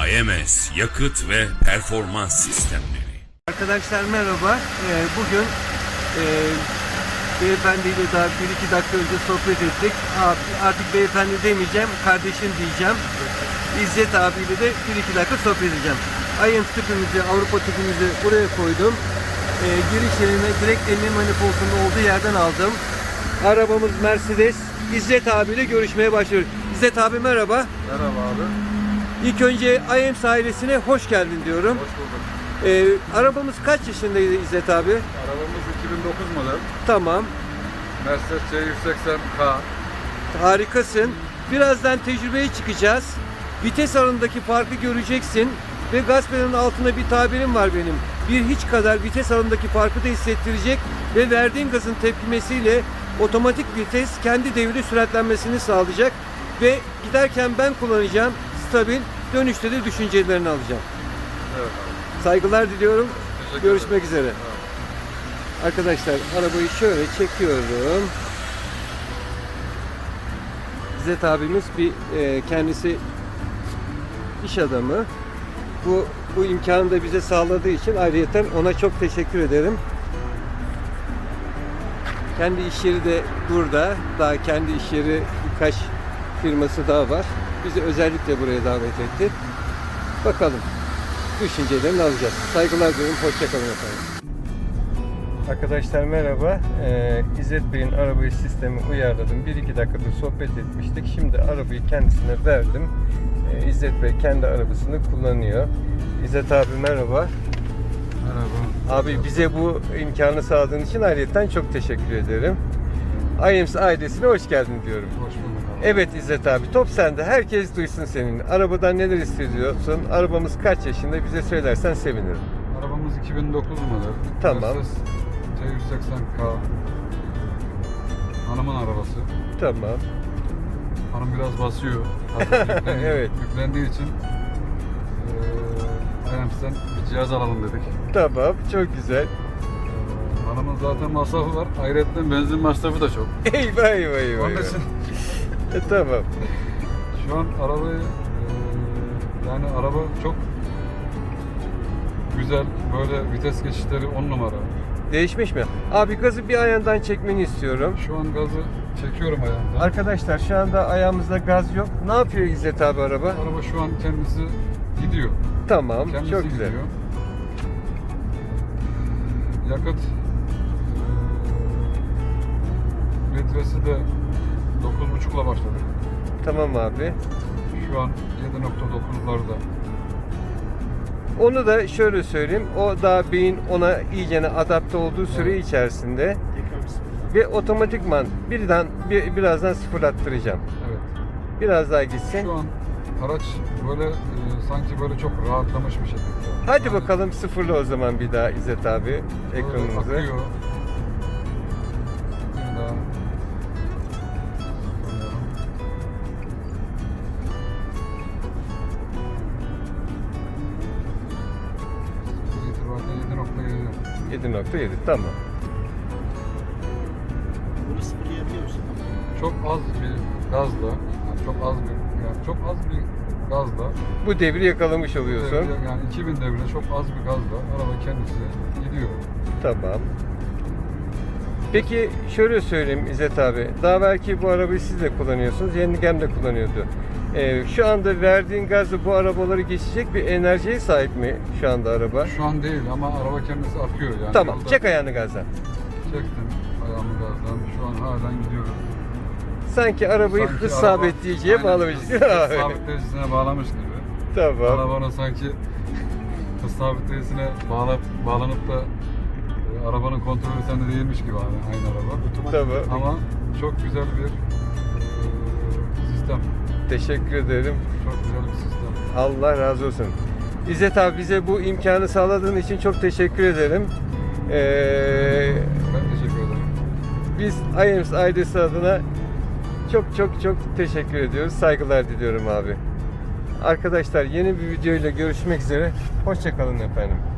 AMS Yakıt ve Performans Sistemleri. Arkadaşlar merhaba. Bugün beyefendiyle daha 1-2 dakika önce sohbet ettik. Artık beyefendi demeyeceğim, kardeşim diyeceğim. İzzet abiyle de 1-2 dakika sohbet edeceğim. IAMS tüpümüzü, Avrupa tüpümüzü buraya koydum. Giriş yerine direkt elini manifoldunun olduğu yerden aldım. Arabamız Mercedes. İzzet abiyle görüşmeye başlıyoruz. İzzet abi merhaba. Merhaba abi. İlk önce IAMS ailesine hoş geldin diyorum. Hoş bulduk. Arabamız kaç yaşındaydı İzzet abi? Arabamız 2009 model. Tamam. Mercedes C180K. Harikasın. Birazdan tecrübeye çıkacağız. Vites arasındaki farkı göreceksin. Ve gaz pedalının altında bir tabirim var benim. Bir hiç kadar vites arasındaki farkı da hissettirecek. Ve verdiğin gazın tepkimesiyle otomatik vites kendi devri süratlenmesini sağlayacak. Ve giderken ben kullanacağım. Stabil. Dönüşte de düşüncelerini alacağım. Evet abi. Saygılar diliyorum. Teşekkür Görüşmek ederim. üzere. Evet. Arkadaşlar arabayı şöyle çekiyorum. İzzet abimiz kendisi iş adamı. Bu imkanı da bize sağladığı için ayrıyeten ona çok teşekkür ederim. Kendi iş yeri de burada. Daha kendi iş yeri birkaç firması daha var. Bizi özellikle buraya davet etti. Bakalım. Düşüncelerini alacağız. Saygılar diliyorum. Hoşçakalın efendim. Arkadaşlar merhaba. İzzet Bey'in arabayı sistemi uyarladım. 1-2 dakikada sohbet etmiştik. Şimdi arabayı kendisine verdim. İzzet Bey kendi arabasını kullanıyor. İzzet abi merhaba. Merhaba. Abi bize bu imkanı sağladığın için ayrıca çok teşekkür ederim. IAMS ailesine hoş geldin diyorum. Hoş bulduk abi. Evet İzzet abi, top sende. Herkes duysun senin. Arabadan neler hissediyorsun? Arabamız kaç yaşında? Bize söylersen sevinirim. Arabamız 2009 model. Tamam. Mercedes C180K. Hanımın arabası. Tamam. Hanım biraz basıyor. Evet. Yüklendiği için IAMS'ten bir cihaz alalım dedik. Tamam, çok güzel. Hanımın zaten masrafı var. Ayrıca benzin masrafı da çok. Eyvah eyvah eyvah. Onun için Tamam. şu an arabayı yani araba çok güzel, böyle vites geçişleri 10 numara. Değişmiş mi? Abi gazı bir ayağından çekmeni istiyorum. Şu an gazı çekiyorum ayağımdan. Arkadaşlar şu anda ayağımızda gaz yok. Ne yapıyor İzzet abi araba? Araba şu an kendisi gidiyor. Tamam, Kendisi çok güzel. gidiyor. Yakıt litresi de 9,5'la başladık. Tamam abi. Şu an 7,9'larda. Onu da şöyle söyleyeyim. O daha beyin ona iyicene adapte olduğu süre içerisinde ve otomatikman birazdan sıfırlattıracağım. Evet. Biraz daha gitsin. Şu an araç böyle sanki böyle çok rahatlamış bir şekilde. Hadi Yani bakalım sıfırla o zaman bir daha İzzet abi böyle ekranımızı. akıyor. Bir daha. Bu itibariyle 7,7. 7.7 tamam. Bunu sıfırlayabiliyor musun? Çok az bir gazla, yani çok az bir gazla, Bu devri yakalamış oluyorsun. yani 2000 devirde çok az bir gazla araba kendisi gidiyor. Tamam. Peki şöyle söyleyeyim İzzet abi. Daha belki bu arabayı siz de kullanıyorsunuz. Yengem de kullanıyordu. Şu anda verdiğin gazla bu arabaları geçecek bir enerjiye sahip mi şu anda araba? Şu an değil ama araba kendisi akıyor yani. Tamam. Yolda Çek ayağını gazdan. Çektim ayağımı gazdan. Şu an halen gidiyoruz. Sanki arabayı Sanki hız araba- sabitleyiciye Aynen, bağlamış. hız sabitleyicisine bağlamış gibi. Tamam. Arabanın sanki hız sabitleyicisine bağlanıp da arabanın kontrolü sende değilmiş gibi abi, aynı araba. Tamam. Ama çok güzel bir sistem. Teşekkür ederim. Çok güzel bir sistem. Allah razı olsun. İzzet abi bize bu imkanı sağladığın için çok teşekkür ederim. Ben teşekkür ederim. Biz IAMS ailesi adına çok teşekkür ediyoruz. Saygılar diliyorum abi. Arkadaşlar yeni bir video ile görüşmek üzere. Hoşça kalın efendim.